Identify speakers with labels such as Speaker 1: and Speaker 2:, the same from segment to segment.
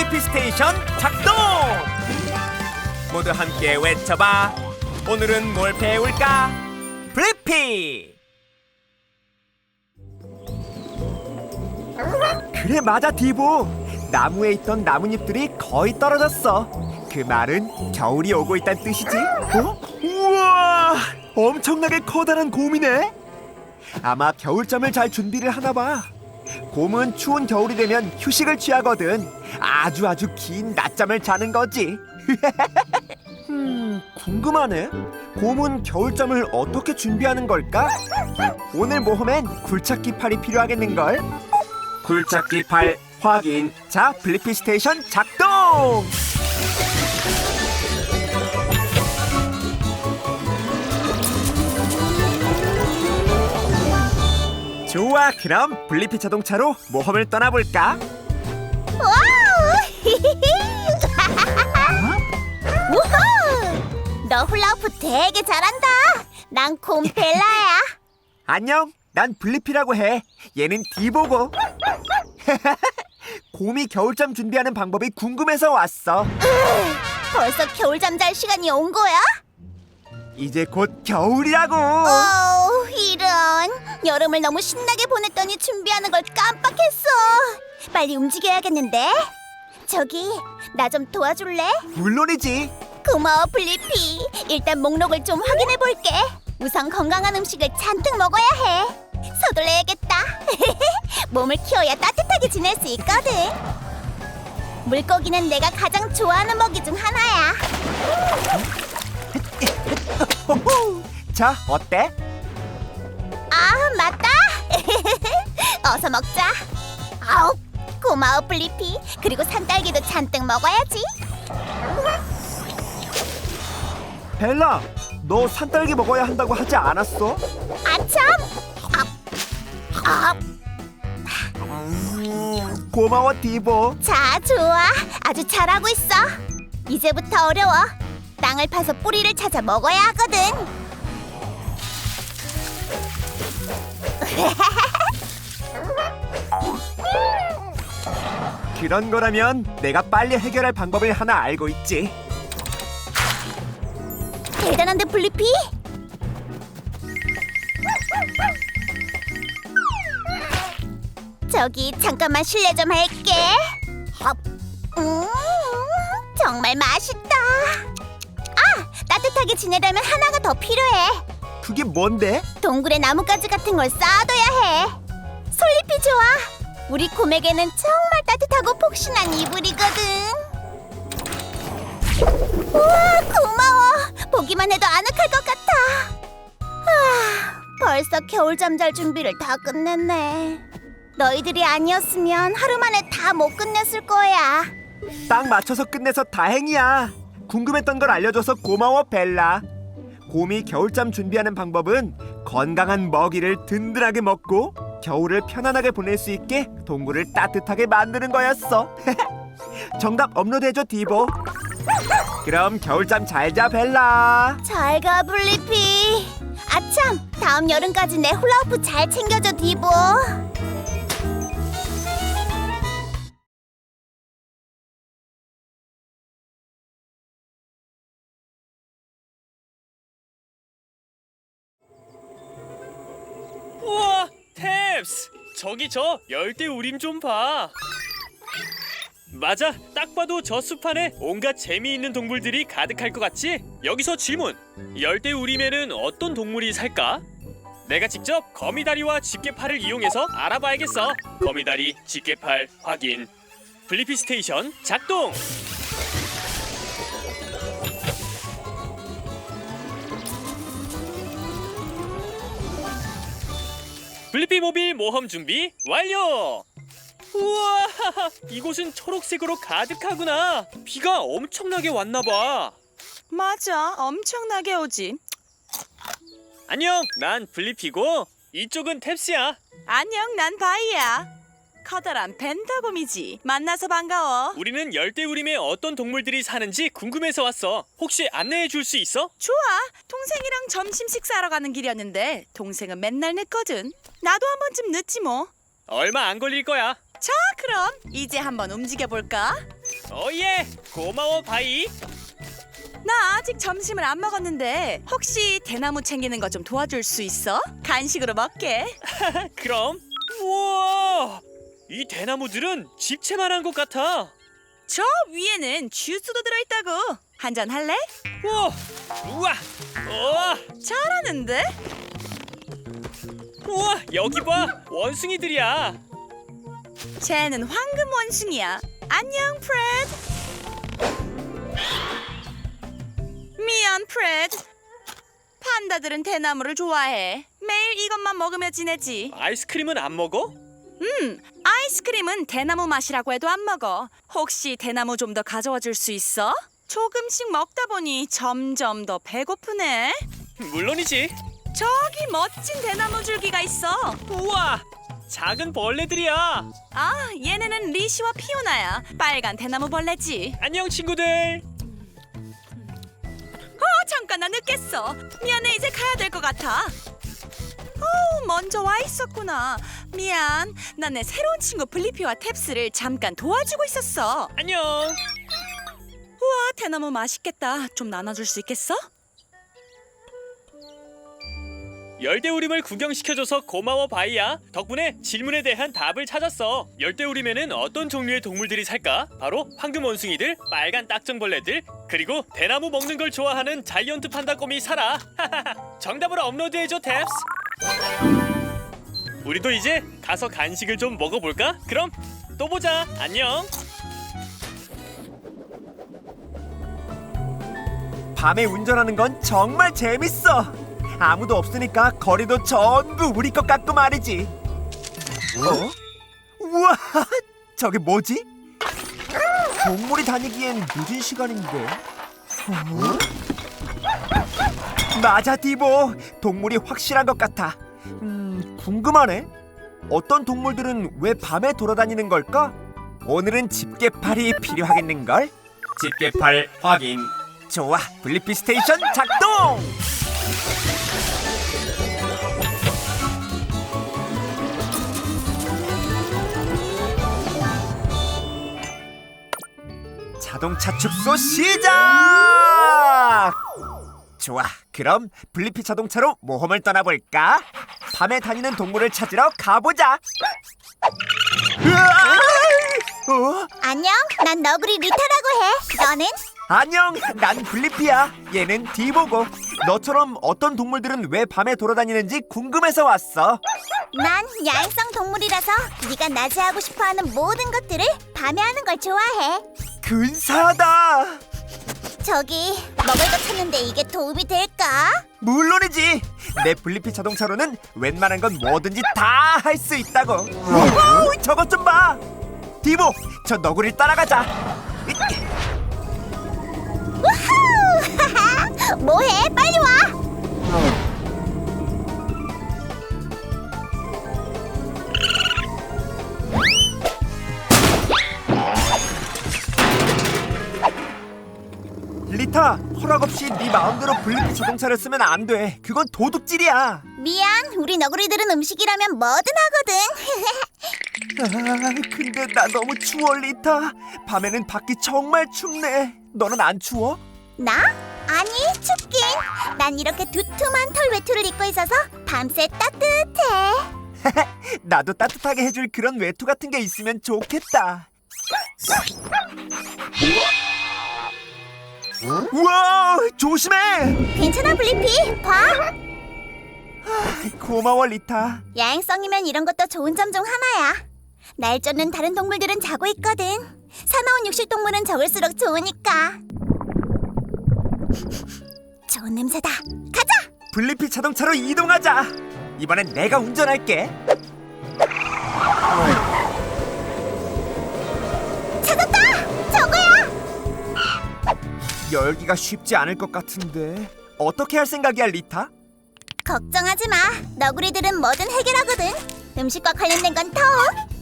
Speaker 1: 블리피 스테이션 작동! 모두 함께 외쳐봐. 오늘은 뭘 배울까? 블리피! 그래, 맞아, 디보. 나무에 있던 나뭇잎들이 거의 떨어졌어. 그 말은 겨울이 오고 있다는 뜻이지. 어? 우와! 엄청나게 커다란 곰이네. 아마 겨울잠을 잘 준비를 하나 봐. 곰은 추운 겨울이 되면 휴식을 취하거든. 아주 긴 낮잠을 자는 거지. 궁금하네. 곰은 겨울잠을 어떻게 준비하는 걸까? 오늘 모험엔 굴착기 팔이 필요하겠는걸. 굴착기 팔 확인. 자, 블리피 스테이션 작동! 좋아, 그럼 블리피 자동차로 모험을 떠나볼까?
Speaker 2: 와우! 우후! 너 훌라후프 되게 잘한다. 난 곰벨라야.
Speaker 1: 안녕, 난 블리피라고 해. 얘는 디보고. 곰이 겨울잠 준비하는 방법이 궁금해서 왔어.
Speaker 2: 벌써 겨울잠 잘 시간이 온 거야?
Speaker 1: 이제 곧 겨울이라고.
Speaker 2: 이런. 여름을 너무 신나게 보냈더니 준비하는 걸 깜빡했어. 빨리 움직여야겠는데. 저기, 나 좀 도와줄래?
Speaker 1: 물론이지.
Speaker 2: 고마워, 블리피. 일단 목록을 좀 확인해 볼게. 우선 건강한 음식을 잔뜩 먹어야 해. 서둘러야겠다. 몸을 키워야 따뜻하게 지낼 수 있거든. 물고기는 내가 가장 좋아하는 먹이 중 하나야.
Speaker 1: 호호. 자, 어때?
Speaker 2: 아, 맞다. 어서 먹자. 아우, 고마워, 블리피. 그리고 산딸기도 잔뜩 먹어야지.
Speaker 1: 벨라, 너 산딸기 먹어야 한다고 하지 않았어?
Speaker 2: 아참.
Speaker 1: 고마워, 디보.
Speaker 2: 자, 좋아. 아주 잘하고 있어. 이제부터 어려워. 땅을 파서 뿌리를 찾아 먹어야 하거든.
Speaker 1: 그런 거라면 내가 빨리 해결할 방법을 하나 알고 있지.
Speaker 2: 대단한데, 블리피? 저기 잠깐만 실례 좀 할게. 정말 맛있다. 아, 따뜻하게 지내려면 하나가 더 필요해.
Speaker 1: 그게 뭔데?
Speaker 2: 동굴에 나뭇가지 같은 걸 쌓아둬야 해. 솔잎이 좋아. 우리 곰에게는 정말 따뜻하고 폭신한 이불이거든. 우와, 고마워. 보기만 해도 아늑할 것 같아. 벌써 겨울잠 잘 준비를 다 끝냈네. 너희들이 아니었으면 하루 만에 다 못 끝냈을 거야.
Speaker 1: 딱 맞춰서 끝내서 다행이야. 궁금했던 걸 알려줘서 고마워, 벨라. 곰이 겨울잠 준비하는 방법은 건강한 먹이를 든든하게 먹고 겨울을 편안하게 보낼 수 있게 동굴을 따뜻하게 만드는 거였어. 정답 업로드해줘, 디보. 그럼 겨울잠 잘 자, 벨라.
Speaker 2: 잘 가, 블리피. 아참, 다음 여름까지 내 훌라후프 잘 챙겨줘, 디보.
Speaker 3: 우와, 탭스! 저기 저 열대우림 좀 봐. 맞아, 딱 봐도 저 숲 안에 온갖 재미있는 동물들이 가득할 것 같지? 여기서 질문! 열대우림에는 어떤 동물이 살까? 내가 직접 거미다리와 집게팔을 이용해서 알아봐야겠어. 거미다리, 집게팔 확인. 블리피 스테이션 작동! 블리피 모빌 모험 준비 완료! 우와, 이곳은 초록색으로 가득하구나. 비가 엄청나게 왔나봐.
Speaker 4: 맞아, 엄청나게 오지.
Speaker 3: 안녕, 난 블리피고 이쪽은 탭스야.
Speaker 4: 안녕, 난 바이야. 커다란 벤더곰이지. 만나서 반가워.
Speaker 3: 우리는 열대우림에 어떤 동물들이 사는지 궁금해서 왔어. 혹시 안내해 줄 수 있어?
Speaker 4: 좋아, 동생이랑 점심 식사하러 가는 길이었는데 동생은 맨날 늦거든. 나도 한 번쯤 늦지 뭐.
Speaker 3: 얼마 안 걸릴 거야.
Speaker 4: 자, 그럼 이제 한번 움직여볼까?
Speaker 3: 어예, 고마워 바이.
Speaker 4: 나 아직 점심을 안 먹었는데 혹시 대나무 챙기는 거 좀 도와줄 수 있어? 간식으로 먹게.
Speaker 3: 그럼. 우와, 이 대나무들은 집채만한 것 같아.
Speaker 4: 저 위에는 주스도 들어있다고. 한잔 할래?
Speaker 3: 우와, 우와, 우와,
Speaker 4: 잘하는데?
Speaker 3: 우와, 여기 봐, 원숭이들이야.
Speaker 4: 쟤는 황금 원숭이야. 안녕, 프레드. 미안, 프레드. 판다들은 대나무를 좋아해. 매일 이것만 먹으며 지내지.
Speaker 3: 아이스크림은 안 먹어?
Speaker 4: 아이스크림은 대나무 맛이라고 해도 안 먹어. 혹시 대나무 좀 더 가져와 줄 수 있어? 조금씩 먹다 보니 점점 더 배고프네.
Speaker 3: 물론이지.
Speaker 4: 저기 멋진 대나무 줄기가 있어.
Speaker 3: 우와, 작은 벌레들이야.
Speaker 4: 아, 얘네는 리시와 피오나야. 빨간 대나무 벌레지.
Speaker 3: 안녕 친구들.
Speaker 4: 잠깐 나 늦겠어. 미안해, 이제 가야 될 것 같아. 먼저 와 있었구나. 미안. 난 내 새로운 친구 블리피와 탭스를 잠깐 도와주고 있었어.
Speaker 3: 안녕.
Speaker 4: 우와, 대나무 맛있겠다. 좀 나눠줄 수 있겠어?
Speaker 3: 열대우림을 구경시켜줘서 고마워 바이야. 덕분에 질문에 대한 답을 찾았어. 열대우림에는 어떤 종류의 동물들이 살까? 바로 황금 원숭이들, 빨간 딱정벌레들, 그리고 대나무 먹는 걸 좋아하는 자이언트 판다곰이 살아. 정답을 업로드해줘 탭스. 우리도 이제 가서 간식을 좀 먹어볼까? 그럼 또 보자. 안녕.
Speaker 1: 밤에 운전하는 건 정말 재밌어. 아무도 없으니까 거리도 전부 우리 것 같고 말이지. 우와, 저게 뭐지? 동물이 다니기엔 늦은 시간인데. 맞아, 디보. 동물이 확실한 것 같아. 궁금하네. 어떤 동물들은 왜 밤에 돌아다니는 걸까? 오늘은 집게팔이 필요하겠는걸? 집게팔 확인. 좋아, 블리피 스테이션 작동! 자동차 축소 시작! 좋아, 그럼 블리피 자동차로 모험을 떠나볼까? 밤에 다니는 동물을 찾으러 가보자. 으아!
Speaker 2: 안녕, 난 너구리 리타라고 해. 너는?
Speaker 1: 안녕, 난 블리피야. 얘는 디보고. 너처럼 어떤 동물들은 왜 밤에 돌아다니는지 궁금해서 왔어.
Speaker 2: 난 야행성 동물이라서 네가 낮에 하고 싶어하는 모든 것들을 밤에 하는 걸 좋아해.
Speaker 1: 근사하다.
Speaker 2: 저기 먹을 거 찾는데 이게 도움이 될까?
Speaker 1: 물론이지. 내 블리피 자동차로는 웬만한 건 뭐든지 다 할 수 있다고. 우와, 저것 좀 봐. 디보, 저 너구리를 따라가자.
Speaker 2: 우후! 뭐해? 빨리 와!
Speaker 1: 리타, 허락 없이 네 마음대로 블리피 자동차를 쓰면 안 돼. 그건 도둑질이야.
Speaker 2: 미안, 우리 너구리들은 음식이라면 뭐든 하거든.
Speaker 1: 근데 나 너무 추워, 리타. 밤에는 밖이 정말 춥네. 너는 안 추워?
Speaker 2: 나? 아니, 춥긴. 난 이렇게 두툼한 털 외투를 입고 있어서 밤새 따뜻해.
Speaker 1: 나도 따뜻하게 해줄 그런 외투 같은 게 있으면 좋겠다. 우와, 조심해.
Speaker 2: 괜찮아, 블리피. 봐.
Speaker 1: 고마워, 리타.
Speaker 2: 야행성이면 이런 것도 좋은 점 중 하나야. 날 쫓는 다른 동물들은 자고 있거든. 사나운 육식 동물은 적을수록 좋으니까. 좋은 냄새다. 가자.
Speaker 1: 블리피 자동차로 이동하자. 이번엔 내가 운전할게.
Speaker 2: 찾았다. 저거야.
Speaker 1: 열기가 쉽지 않을 것 같은데 어떻게 할 생각이야, 리타?
Speaker 2: 걱정하지 마. 너구리들은 뭐든 해결하거든. 음식과 관련된 건 더.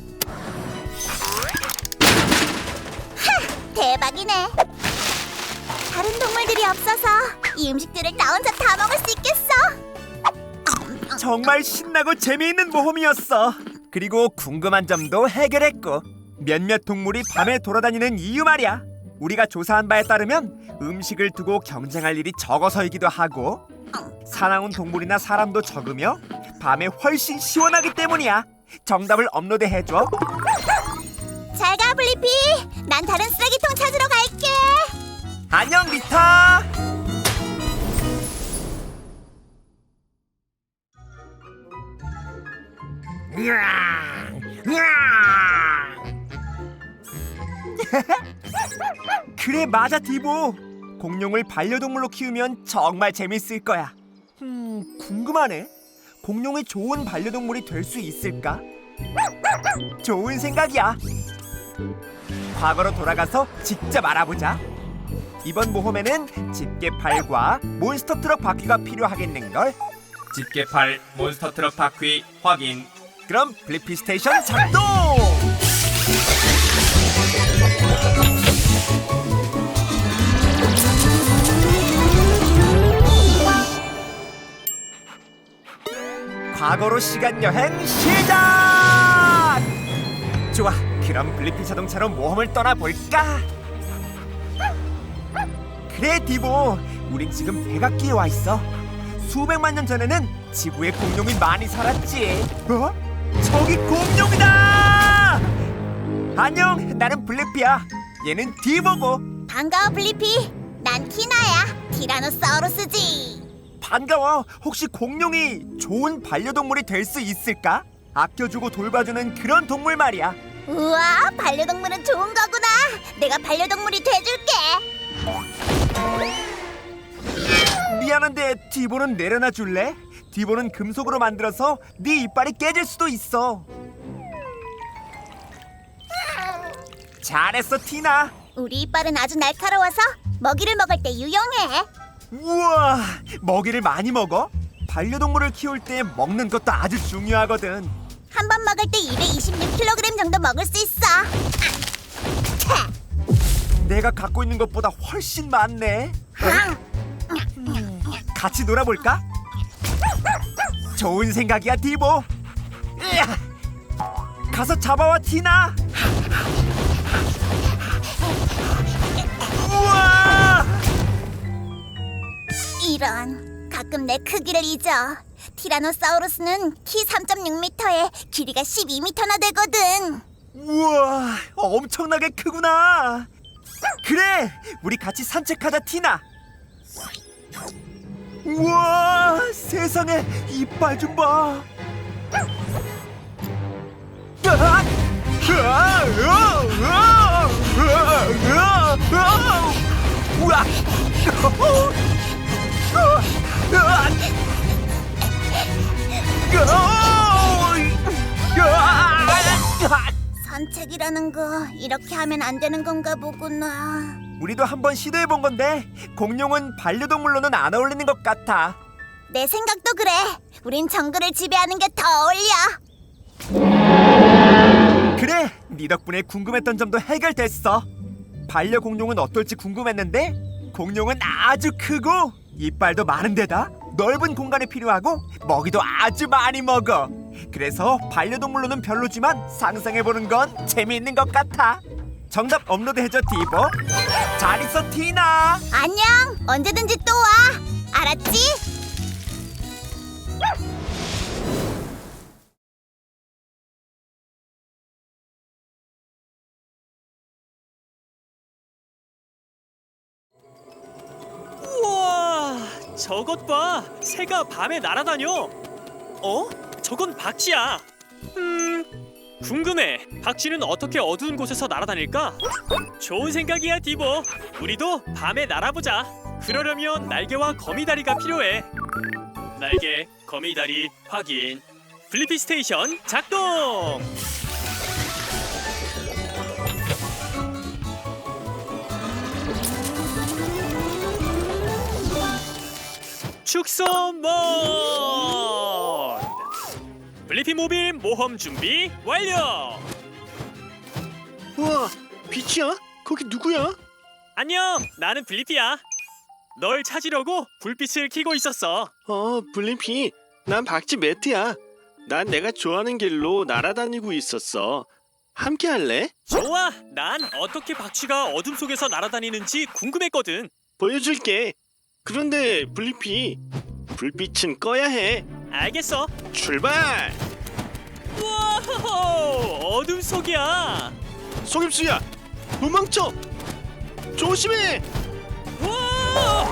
Speaker 2: 대박이네. 다른 동물들이 없어서 이 음식들을 나 혼자 다 먹을 수 있겠어.
Speaker 1: 정말 신나고 재미있는 모험이었어. 그리고 궁금한 점도 해결했고. 몇몇 동물이 밤에 돌아다니는 이유 말이야. 우리가 조사한 바에 따르면 음식을 두고 경쟁할 일이 적어서이기도 하고, 사나운 동물이나 사람도 적으며 밤에 훨씬 시원하기 때문이야. 정답을 업로드해줘.
Speaker 2: 잘 가, 블리피. 난 다른 쓰레기통 찾으러 갈게.
Speaker 1: 안녕, 리타. 그래, 맞아, 디보. 공룡을 반려동물로 키우면 정말 재밌을 거야. 궁금하네. 공룡이 좋은 반려동물이 될 수 있을까? 좋은 생각이야. 과거로 돌아가서 직접 알아보자. 이번 모험에는 집게팔과 몬스터 트럭 바퀴가 필요하겠는걸.
Speaker 5: 집게팔 몬스터 트럭 바퀴 확인.
Speaker 1: 그럼 블리피 스테이션 작동! 과거로 시간 여행 시작! 좋아, 그럼 블리피 자동차로 모험을 떠나볼까? 그래, 디보. 우린 지금 백악기에 와 있어. 수백만 년 전에는 지구에 공룡이 많이 살았지. 어? 저기 공룡이다! 안녕, 나는 블리피야. 얘는 디보고.
Speaker 2: 반가워, 블리피. 난 티나야. 티라노사우루스지.
Speaker 1: 반가워. 혹시 공룡이 좋은 반려동물이 될 수 있을까? 아껴주고 돌봐주는 그런 동물 말이야.
Speaker 2: 우와, 반려동물은 좋은 거구나. 내가 반려동물이 돼줄게.
Speaker 1: 미안한데 디보는 내려놔 줄래? 디보는 금속으로 만들어서 네 이빨이 깨질 수도 있어. 잘했어, 티나.
Speaker 2: 우리 이빨은 아주 날카로워서 먹이를 먹을 때 유용해.
Speaker 1: 우와, 먹이를 많이 먹어? 반려동물을 키울 때 먹는 것도 아주 중요하거든.
Speaker 2: 한 번 먹을 때 226kg 정도 먹을 수 있어.
Speaker 1: 내가 갖고 있는 것보다 훨씬 많네. 같이 놀아볼까? 좋은 생각이야, 디보. 으아! 가서 잡아와, 티나. 우와!
Speaker 2: 이런, 가끔 내 크기를 잊어. 티라노사우루스는 키 3.6m에 길이가 12m나 되거든.
Speaker 1: 우와, 엄청나게 크구나. 그래, 우리 같이 산책하자, 티나. 우와, 세상에, 이빨 좀 봐. 으악! 으악! 으악! 으악! 으악! 우와! 으악!
Speaker 2: 산책이라는 거 이렇게 하면 안 되는 건가 보구나.
Speaker 1: 우리도 한번 시도해 본 건데 공룡은 반려동물로는 안 어울리는 것 같아.
Speaker 2: 내 생각도 그래. 우린 정글을 지배하는 게 더 어울려.
Speaker 1: 그래, 네 덕분에 궁금했던 점도 해결됐어. 반려공룡은 어떨지 궁금했는데 공룡은 아주 크고 이빨도 많은 데다 넓은 공간이 필요하고 먹이도 아주 많이 먹어. 그래서 반려동물로는 별로지만 상상해보는 건 재미있는 것 같아. 정답 업로드해줘, 디보. 잘 있어, 티나.
Speaker 2: 안녕. 언제든지 또 와. 알았지?
Speaker 3: 우와, 저것 봐. 새가 밤에 날아다녀. 어? 저건 박쥐야. 궁금해. 박쥐는 어떻게 어두운 곳에서 날아다닐까? 좋은 생각이야, 디보. 우리도 밤에 날아보자. 그러려면 날개와 거미다리가 필요해. 날개, 거미다리 확인. 블리피 스테이션 작동. 축소 모드. 블리피 모빌 모험 준비 완료.
Speaker 6: 우와, 빛이야? 거기 누구야?
Speaker 3: 안녕, 나는 블리피야. 널 찾으려고 불빛을 켜고 있었어.
Speaker 6: 블림피, 난 박쥐 매트야. 난 내가 좋아하는 길로 날아다니고 있었어. 함께 할래?
Speaker 3: 좋아. 난 어떻게 박쥐가 어둠 속에서 날아다니는지 궁금했거든.
Speaker 6: 보여줄게. 그런데 블리피, 불빛은 꺼야 해.
Speaker 3: 알겠어.
Speaker 6: 출발!
Speaker 3: 우와, 어둠 속이야.
Speaker 6: 속임수야, 도망쳐! 조심해!
Speaker 3: 우와!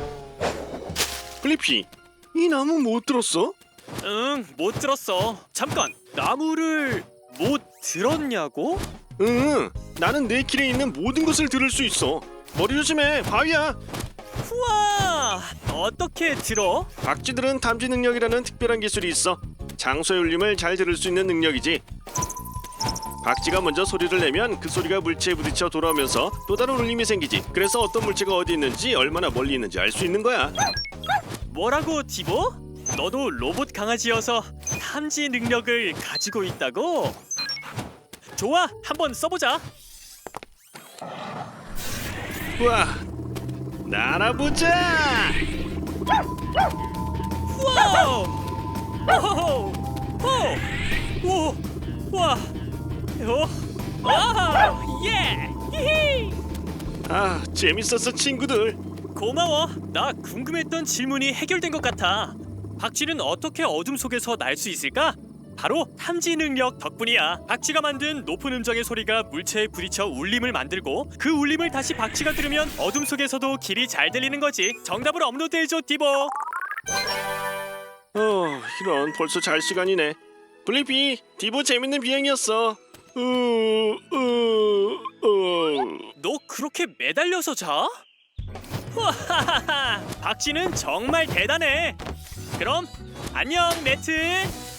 Speaker 6: 블리피, 이 나무 못 들었어?
Speaker 3: 응, 못 들었어. 잠깐, 나무를 못 들었냐고?
Speaker 6: 응, 나는 내 길에 있는 모든 것을 들을 수 있어. 머리 조심해, 바위야.
Speaker 3: 우와, 어떻게 들어?
Speaker 6: 박쥐들은 탐지 능력이라는 특별한 기술이 있어. 장소의 울림을 잘 들을 수 있는 능력이지. 박쥐가 먼저 소리를 내면 그 소리가 물체에 부딪혀 돌아오면서 또 다른 울림이 생기지. 그래서 어떤 물체가 어디 있는지 얼마나 멀리 있는지 알 수 있는 거야.
Speaker 3: 뭐라고, 디보? 너도 로봇 강아지여서 탐지 능력을 가지고 있다고? 좋아, 한번 써보자.
Speaker 6: 우와, 날아보자.
Speaker 3: 우와! 오호호! 오! 오! 와! 아! 예! 히히!
Speaker 6: 아, 재밌었어 친구들.
Speaker 3: 고마워. 나 궁금했던 질문이 해결된 것 같아. 박쥐는 어떻게 어둠 속에서 날 수 있을까? 바로 탐지 능력 덕분이야. 박쥐가 만든 높은 음정의 소리가 물체에 부딪혀 울림을 만들고 그 울림을 다시 박쥐가 들으면 어둠 속에서도 길이 잘 들리는 거지. 정답을 업로드해줘, 디보.
Speaker 6: 이런 벌써 잘 시간이네. 블리피, 디보 재밌는 비행이었어.
Speaker 3: 너 그렇게 매달려서 자? 와하하하, 박쥐는 정말 대단해. 그럼 안녕, 네트.